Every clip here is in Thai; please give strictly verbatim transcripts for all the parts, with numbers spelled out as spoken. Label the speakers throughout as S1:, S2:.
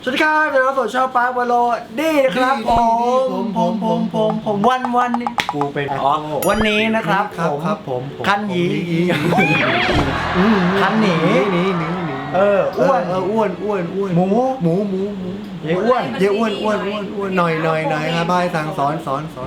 S1: สวัสดีครับเดี๋ยวเราสดชาวปาร์ควาโลดี้นะครับผมผมผมผมผมวันวันนี้กูเป็นอ๋อวันนี้นะครับผม
S2: ครับผม
S1: คันหยีคันหนี
S2: หนีหนีหนี
S1: เอออ้วน
S2: เอออ้วนอ้วนอ้วน
S1: หมู
S2: หมูหมูหมู
S1: เย้อ้วน
S2: เยอ้วนอ้วนอ้วนอ้วนหน่อยหน่อยหน่อยครับบายสั่งสอนสอนสอน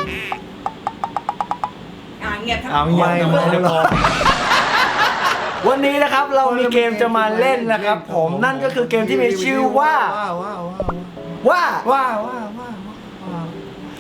S3: อ่าเงียบทั้ง
S1: เอาเงียบ
S2: ไม่
S1: ทั้งหมด
S2: ไม่
S1: เลยวันนี้นะครับเรามีเกมจะมาเล่นนะครับผมนั่นก็คือเกมที่มีชื่อว่า
S2: ว้าวว้าว
S1: ว่า
S2: ว้าวว้าวว้าวว้าว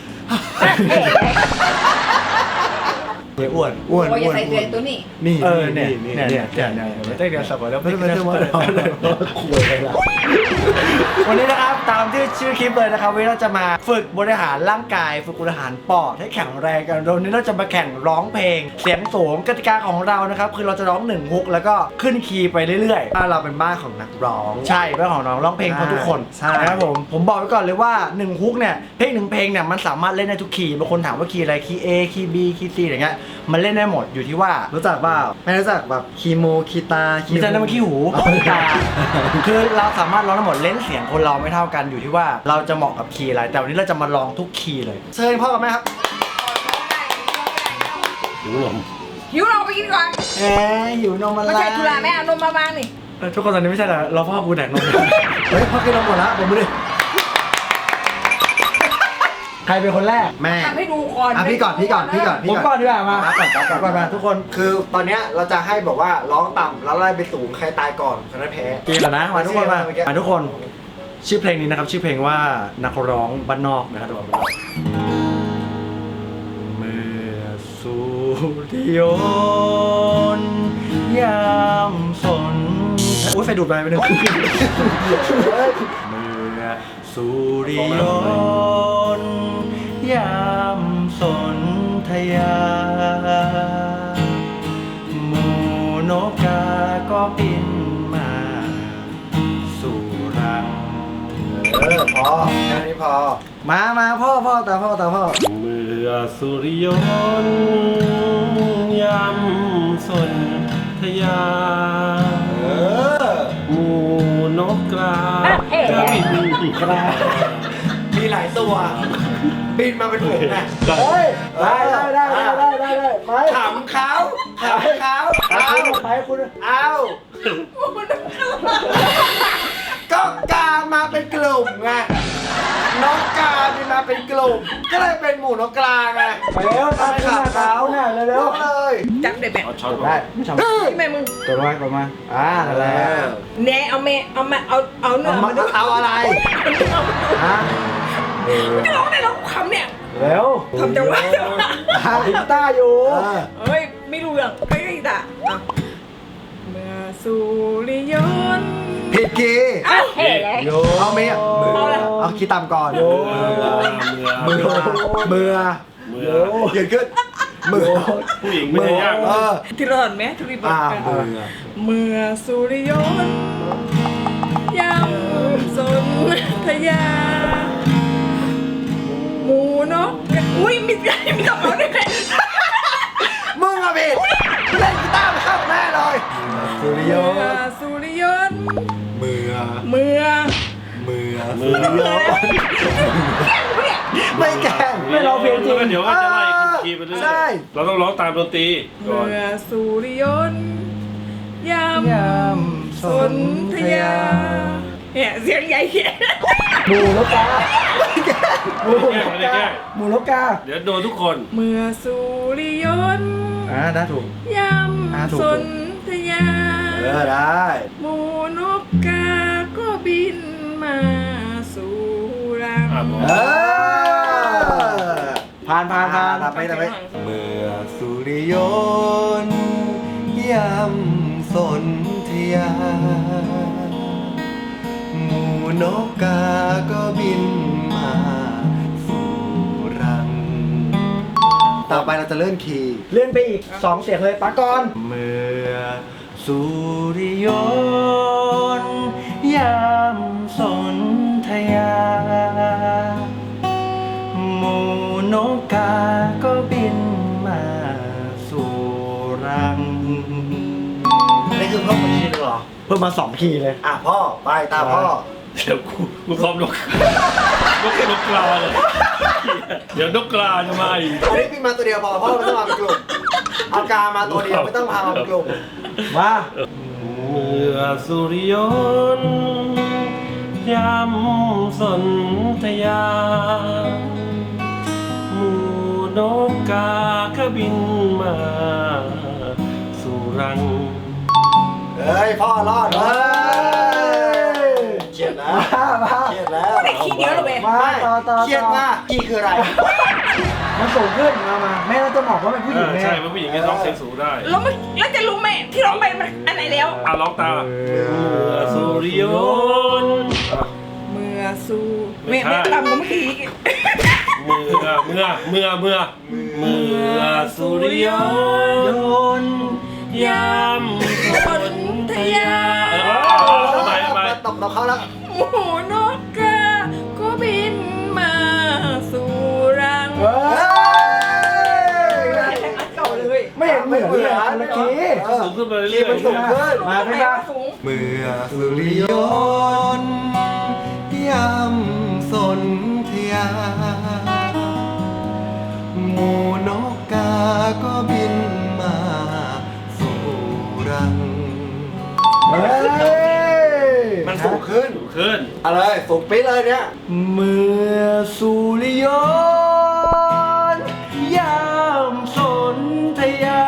S1: เย้อ้วน
S2: อ้วน
S3: โอ้ยอ
S2: อ้
S3: ย่า
S2: วน
S3: ใส่เกลือตัวนี้
S2: นี่
S1: เออเนี่ย
S2: นี่
S1: เนี่ย
S2: นี่
S1: เนี่ยเนี่ยเนี่ยเนี่ยเต้นเดียวสับปะรด
S2: ไม่ไม่ไม่ไม่คุยอะไรล่ะ
S1: วันนี้นะครับตามที่ชื่อคลิปเลยนะครับวันนี้เราจะมาฝึกบริหารร่างกายฝึกบริหารปอดให้แข็งแรงกันวันนี้เราจะมาแข่งร้องเพลง เสียงสูงกติกาของเรานะครับคือเราจะร้องหนึ่งฮุกแล้วก็ขึ้นคีย์ไปเรื่อยๆ
S2: ถ้าเราเป็นบ้านของนักร้อง
S1: ใช่เรื่องของน้องร้องเพลงของทุกคน
S2: ใช่
S1: นะครับผมผมบอกไว้ก่อนเลยว่าหนึ่งฮุกเนี่ยเพลงหนึ่งเพลงเนี่ยมันสามารถเล่นได้ทุกคีย์บางคนถามว่าคีย์อะไรคีย์ A คีย์ B คีย์ C อย่างเงี้ยมันเล่นได้หมดอยู่ที่ว่า
S2: รู้จักเปล่าไม่รู้จักแบบคีโมคีตา
S1: ไม่ใช่นั่นมันขี้หูขี้ตาคือเราสามารถร้องได้หมดเล่นเสียงคนเราไม่เท่ากันอยู่ที่ว่าเราจะเหมาะกับคีย์อะไรแต่วันนี้เราจะมาลองทุกคีย์เลยเชิญพ่อกับแม่ครับ
S3: หิวเราไปกินก่อน
S1: แหมหิวนมอะไร
S3: ไม่ใช่ธุระแม่เอานมมาบ้างนี่
S1: เออทุกคนตอนนี้ไม่ใช่เหรอเราพ่อกูแดกนม
S2: เฮ้ยพ่อกินนมหมดละผมไม่ได้
S1: ใครเป็นคนแรก
S2: แม่
S3: ทำให้ดูก่อน
S2: อ่ะพี่ก่อนพี่ก่อนพี่ก่อน
S1: ผมก่อนดีกว่ามา
S2: ก่อนก่อนก่อน
S1: ก่อนมาทุกคน
S2: คือตอนเนี้ยเราจะให้บอกว่าร้องต่ำแล้วไล่ไปสูงใครตายก่อนคนนั้นแพ้
S1: กีแล้วนะมาทุกคนมา
S2: เมื่อกี้
S1: มาทุกคนชื่อเพลงนี้นะครับชื่อเพลงว่านักร้องบ้านนอกนะครับทุกคนเมื่อสุริยนต์ยามสนโอ้ยไฟดูดไปไปหนึ่ง เมื่อสุริยนต์ยามสนธยาหมูนกกาก็บินมาสู่รัง
S2: เออพอแค่นี้พอ
S1: มามาพ่อพ่อตาพ่อตาพ่อ
S4: เมื่อสุริยนต์ยำสนธยา
S2: เออ
S4: หมูนกกราจะบินกรา
S2: มีหลายตัว บินมาเป็นฝูงนะ
S1: เฮ้ยได้ได้ได้ได้ได้ได้ไป
S2: ขำเขาขำเขา
S1: เอา
S2: เอา
S1: ไปคุณ
S2: เอาก็กามาเป็นกลุ่มไงนกกาบินมาเป็นกลุ่ม ก็เลยเป็นหมู่นกกลาไง
S1: ไปเร็วตามขึ้นมาเขาเนี่ยเร็
S2: เร็
S1: ว
S2: วเลย
S3: จับได้แม่
S4: เอาช้อน
S1: ๆ
S4: ก่อ
S1: ได้
S4: น
S1: ไม่ทำ
S3: นี่แม่มึง
S1: ตัวมาตัวมาอ่าแล้ว
S3: แน่เอาแม่เอาแม่เอาเอาเนื้อ
S2: เอา
S3: มาดู
S2: เอาอะไร
S1: ฮะ
S3: ไม่ร้องได้แล้วคำเนี่ย
S1: เร็ว
S3: ทำจังหวะ
S1: หาลิต้าอยู่
S2: เออ
S3: เฮ้ยไม่รู้เรื่องไม่ได้ด่าอ่ะเมื่อสุริยนต์
S2: ผิดคีย์
S3: อ้าวเฮ้ยเลย
S1: โย
S2: เอาเมีย
S3: เอาอะไร
S2: เอาคีย์ต่ำก่อน
S4: เมื่อ
S2: มื
S4: เมื่
S2: อ
S4: อ
S2: มือ
S4: เมื่อ
S2: เขียนขึ้นมือ
S4: ผู้หญิงไม่ได้ยาก
S2: เออ
S3: ที่ร้อนไหมทุรีบ
S2: อ่า
S3: อก
S2: มือ
S3: เมื่อสุริยนต์ยำสนธยาหมูนกอุ้ยมีมีกระเป๋าด้วย
S2: มึงอะผิดเล่นกีตาร์ไม่เข้าแน่เลยสุริย
S3: เมื่อน
S2: ต์
S3: สุริยนต์
S2: มือ
S3: เมื่อ
S2: มือ
S4: เมื่อ
S2: ไม่แกล้ง
S1: ไม่ร้องเพลงจริง
S4: แล้วก็เดี๋ยวก็จะไล่ขึ้นคีย์ไปเรื่อย
S2: ใช่
S4: ๆเราต้องร้องตามดนตรีก่อน
S3: เมื่อสุริยนต์ย
S1: ยาม
S3: ำสนธยาเนี่ยเสียงใหญ่เขียน
S1: หมูนกกาหมู
S4: ไม่
S1: น
S4: ได้
S1: ก
S4: แกล้
S1: กาง หมูนกกา
S4: เดี๋ยวโดนทุกคน
S3: เมื่อสุริยนต์
S1: อ่าได้ถูก
S3: ย
S1: อ่าถูก
S3: ำสนธยา
S2: เออได้
S3: หมูนกกาก็บินมาสู่รัง
S4: อ่ะผม
S2: เออ
S1: ผ่านผ่านผ่าน
S2: ทำไปทำไปเมื่อสุริยนต์ยำสนธยาหมูนกกาก็บินมาสู่รัง ต่อไปเราจะเลื่อนคีย์
S1: เลื่อนไปอีกสองเสียงเลยปากก่อน
S2: เมื่อ
S1: สุริยนต์ยามสนธยาหมูนกกาก็บินมาสู่รัง
S2: นี่คือเพิ่มมาคีย์หนึ่งเหรอ
S1: เพิ่มมาสองคีย์เลย
S2: อ่ะพ่อ ไปตามพ่อ
S4: เดี๋ยวกูกูซ้อมนกนกนกกลาเลยเดี๋ยวนกกลาจะมาอีก
S2: อันนี้พี่มาตัวเดียวพอเพราะเราไม่ต้องมาเป็นกลุ่มเอากามาตัวเดียวไม่ต้องพามาเป็นกลุ่ม
S1: มา
S4: เมื่อสุริยนต์ยำสนธยาหมู่นกกาก็บินมาสู่รัง
S2: เฮ้ยพ่อรอดเว้ยเครียดแล้ว
S1: มามา
S2: เครียดแล้ว
S3: ไม่ขี้เหนียวหรอเว้ย
S1: มาต่อต่อ
S2: เครียดมากพี่คืออะไร
S1: มันสูงขึ้นมามาแม่เราจะบอกว่าเป็นผู้หญิง
S4: เออ
S1: ไง
S4: ใช่ว่าผู้หญิงก็ร้องเสียงสูงได้
S3: แล้วมันแล้วจะรู้ไหมที่ร้องไปมันอันไหนแล้ว
S4: อ่ะร้องตามเมื่อสุริยนต์อ่ะ
S3: เมื่อสู้
S4: ไม่
S3: ไม่
S4: ใช่
S3: ไม่ตามก็เมื่อกี้
S4: เมื่อเมื่อเมื่อเมื่อเมื่อสุริยนต์ยามสนธยาเออทำไมทำไม
S2: ตบตบเขาแล้ว
S3: หมูนกกาก็บินมาสู่รัง
S1: เฮ้ย
S3: เก่าเลย
S1: ไม่เห็นเหมือนเลยอะเมื่อกี้
S4: สูงขึ้นไปเรื่
S2: คี
S4: อย
S2: ย์มันสูงขึ้น
S1: มาพี่
S3: ไหน
S1: มา
S3: ว่าสูง
S2: เมื่อสุริยนต์ยำสนธยาหมู่นกกาก็บินมาสู่รัง
S1: เฮ้ย
S2: มันสูงขึ้น
S4: สูงขึ้น
S2: อะไรสูงปี๊ดเลยเนี่ย
S1: เมื่อสุริยนต์ยามสนธยา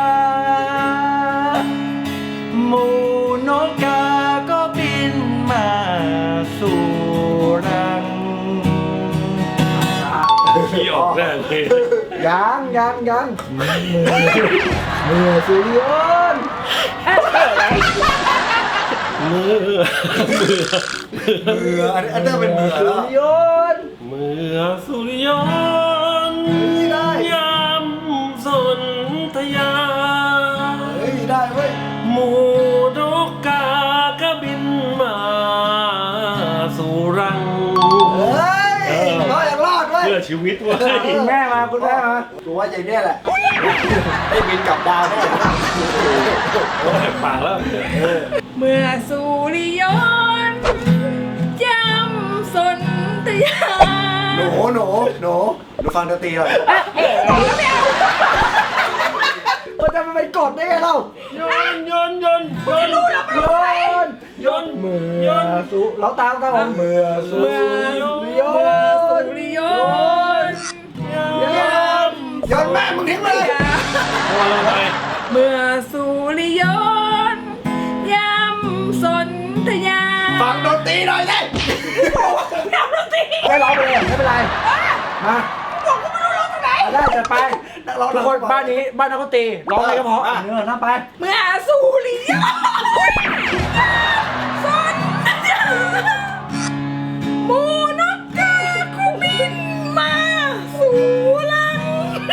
S1: หมู่นกกาก็บินมาสู่รัง
S4: ขี้ออกแน่เลย
S1: ยังยังยังเมื่อเมื่อสุริยนต์
S4: มือมือ
S2: มืออันอันเดอร์เป็นมือ
S1: สุ
S2: แล้ว
S1: ริยนต์
S4: เมื่อสุริยนต์
S2: ได้
S4: ยามสนธยา
S2: เฮ้ยได้เว้ย
S4: หมู่นกกาก็บินมาสู่รัง
S2: เฮ้ยรอดยังรอดเว้ย
S4: เพื่อชีวิตเว้ย
S1: คุณแม่มาคุณแม่มา
S2: กูว่าอย่างนี้แหละได้บินกลับดาวแน่
S4: โอ้ยปากแล้ว
S3: เมื่อสุริยนต์ยำสนธยา
S2: หนูหนูหนูหนูฟังดนตรีหน่อย
S1: มันจะมาเป็นกฎได้ไงเรา
S4: ยนยนยนยน
S1: โยน
S4: ยน
S1: เมื่อสุเราตามตามเมื่อสุ
S3: เมื่อ
S1: ริย
S3: เมื่อสุ
S1: นต์
S3: ริยนต์
S4: ยน
S2: ย้อนแม่มึงทิ้งเลย
S4: พอแล้วไง
S3: เมื่อสุริยนต์ยำสนธยา
S2: ฟังดนตรีหน่อยสิ
S3: ทำดนตรี
S1: ไม่ร้องไปเลยไม่เป็นไรมา
S3: ผมก็ไม่รู้ร้องตรงไหน
S1: เอาได้จะไป
S2: นักร้อง
S1: ทุกคนบ้านนี้บ้านนักดนตรีร้องอะไรก็เพราะเนื้อน้าไป
S3: เมื่อสุริยนต์สนธยาหมูนกกาก็บินมาสู่รัง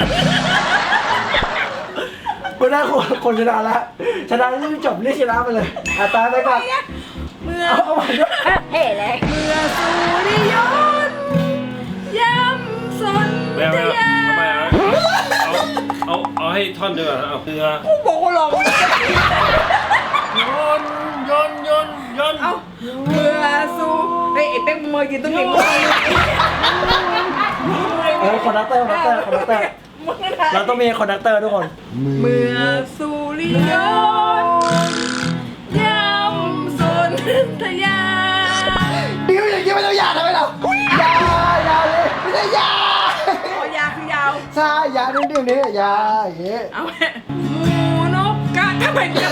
S1: คนได้คนคนชนะแล้วชนะที่จบเรียกชนะไปเลยอ่ะตายไปก่อน
S3: เมื่อ
S1: เอาเอาใหม่ด้วย
S3: เฮ้เลยเมื่อสุริยนต์ยำสน
S4: แม่
S3: ธ
S4: แม่
S3: ยา
S4: ทำไมอ่ะเอาเอาเอาให้ท่อนเดียวกันเอาเรือ
S3: กูบอกว่าลอง
S4: ยนยนยนยน
S3: เอาเมื่อสุเฮ้ยไอ้เป๊กมึงมายืนตรงนี้มึง
S1: เออคอนดักเตอร์คอนดักเตอร์คอนดักเตอร์
S3: มึงอะไร
S1: เราต้องมีคอนดักเตอร์ทุกคน
S3: เมื่อสุริยนต์ยำสนธยา
S2: บิวอย่างนี้ไม่ต้องยาทำไมเรา
S1: ยายาเลย
S2: ไม่ได้ยา
S3: คอยาคือยาว
S1: ใช่ยาเดี๋ยวนี้ยาอย่างงี้
S3: เอาแม่หมูนกกาทำไมเนี่ย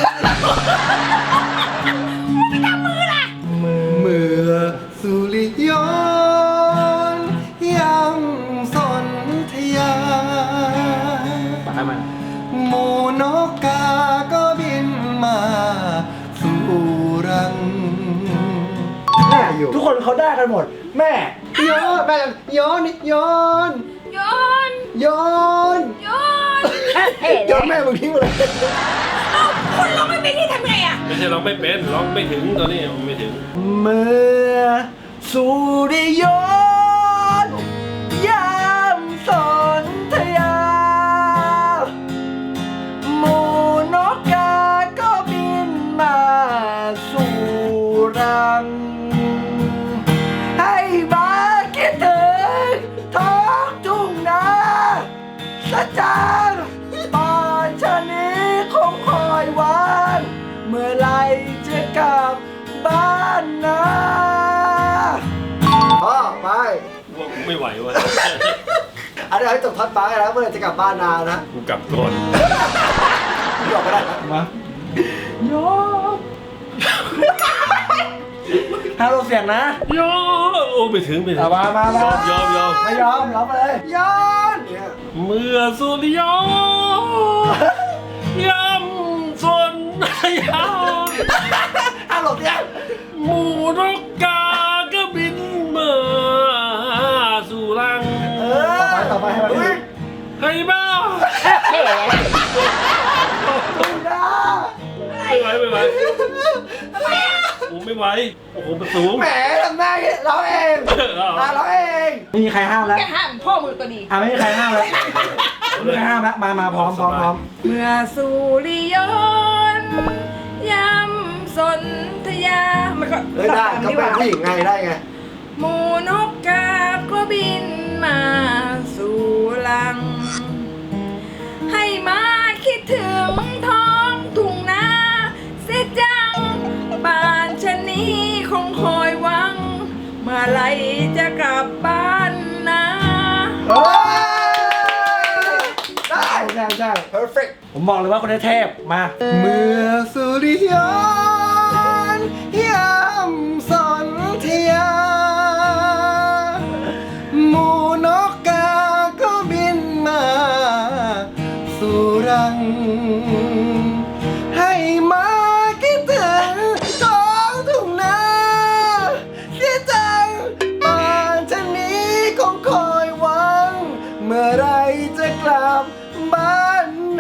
S3: มึงไม่ทำมือล่ะ
S2: เมื่อสุริยนต์ยำสนธยา
S1: ปากมัน
S2: หมู่นกกาก็บินมาสู่รัง
S1: แม่ทุกคนเขาได้กันหมด แม่
S2: โยนแม่โยนโยน
S3: โยน
S2: โยน
S3: โยน
S2: โยนแม่มึงทิ้งเลย
S3: เอาคนร้องไม่เป็นที่ทำไงอ่ะ
S4: ไม่ใช่ร้องไม่เป็นร้องไม่ถึงตอนนี้ไม่ถึง
S1: เมื่อสุริยนต์ยามสนธยาหมู่นกกาก็บินมาสู่รัง
S4: ว่ากูไม่ไหววะ
S2: อันนี้ให้จบทัดฟ้ากันแล้วเมื่อไหร่จะกลับบ้านนานะ
S4: กูกลับก่อน
S2: พี่บอกก็ได้นะ
S1: มาโยกห้ามลงเสียงนะ
S4: ยอมโอ้ไปถึงไปถึง
S1: เอามามามาย
S4: อมยอมยอม
S1: ไม่ยอมรับไปเลยย้อนเนี่ย
S4: เมื่อสุริยนยำสนยาม
S1: ห้ามลงเสียง
S4: หมูนกกาก็บินมาสู่รัง
S1: เออต่อไปต่อไปให้มัน
S2: อุ๊ย
S4: ให้บ้า
S1: ไม่ได้
S4: ไม่ไหวไม่ไหวโอ้ไม่ไหวโอ้โหมันสูง
S1: แหมทำได้เราเองมาเราเองไม่มีใครห้ามแล้ว
S3: แกห้ามพ่อมือตัวดี
S1: อ่ะไม่มีใครห้ามแล้วไม่มีใครห้ามแล้วมามาพร้อมพร้อมพร้อม
S3: เมื่อสุริยนต์ยำสนธยา มันก็
S2: เอ้ยได้เขาเป็นผู้หญิงไงได้ไง
S3: หมูนกกาก็บินมาสู่ลัง ให้มาคิดถึงท้องทุ่งนาเสียจังบ้านชะนี้คงคอยหวัง เมื่อไหรจะกลับบ้านนะ
S1: เฮ้ยได้ใช่ใช่
S2: perfect
S1: ผมบอกเลยว่าคนนี้เทพมา
S2: เมื่อสุริยนต์ยำสนธยาหมูนกกาก็บินมาสู่รัง ให้มาคิดถึงท้องทุ่งนาเสียจังป่านชะนี้คงคอยหวัง เมื่อไรจะกลับบ้านนา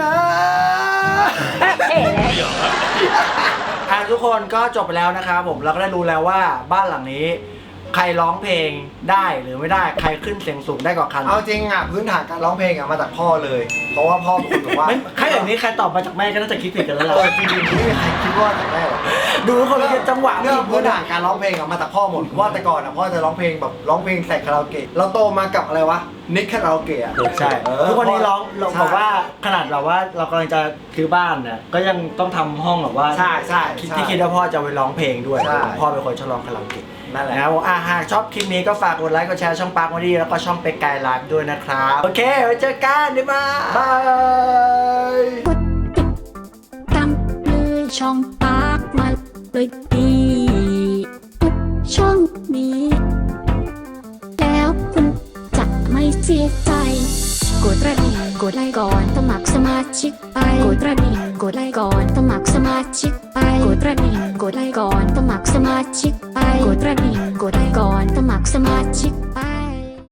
S1: อ่ะทุกคนก็จบไปแล้วนะครับผมเราก็ได้รู้แล้วว่าบ้านหลังนี้ ใครร้องเพลงได้หรือไม่ได้ใครขึ้นเสียงสูงได้กว่ากัน
S2: เอาจริงอ่ะพื้นฐานการร้องเพลงอ่ะมาจากพ่อเลย เพราะว่าพ่อเป็นคนบอกว่า
S1: ไม่ใครอย่างนี้ใครตอบมาจากแม่ก็น่าจะคิดผิดกันแล้ว
S2: เอ
S1: ล่ะ
S2: อจริงๆไม่มีใครคิดว่าจะได้หรอก
S1: ดูคนละจังหวะ
S2: เรื่อง
S1: ผิด
S2: พื้นฐานการร้องเพลงอ่ะมาจากพ่อหมดเพราะว่าแต่ก่อนอ่ะพ่อจะร้องเพลงแบบร้องเพลงใส่คาราโอเกะเราโตมากับอะไรวะนิกคาราโอเกะอ่ะ
S1: ใช่
S2: เออ
S1: ทุกวันนี้ร้องเรา
S2: ใช่
S1: บอกว่าขนาดแบบว่าเรากำลังจะซื้อบ้านเนี่ยก็ยังต้องทำห้องแบบว่า
S2: ใช่ใช่
S1: คิด
S2: ใช่
S1: ที่คิดว่าพ่อจะไปร้องเพลงด้วย
S2: ใช่
S1: พ่อเป็นคนชอบร้องคาราโอเกะ
S2: นั่นแหละ
S1: นะครับผมอ่ะหากชอบคลิปนี้ก็ฝากกดไลค์กดแชร์ช่องปาร์คมาดีแล้วก็ช่องเป็กไก่ไลฟ์ด้วยนะครับโอเคไว้เจอกันบ๊ายบาย
S2: บาย
S5: ตามเลยช่องปากมาเลยดีทุกช่องนี้ แล้วคุณจะไม่เสียใจ กดกระดิ่งกดไลค์ก่อนสมัครสมาชิกไปกดกระดิ่งกดไลค์ก่อนสมัครสมาชิกไปกดกระดิ่งกดไลค์ก่อนสมัครสมาชิกไปกดกระดิ่งกดไลค์ก่อนสมัครสมาชิก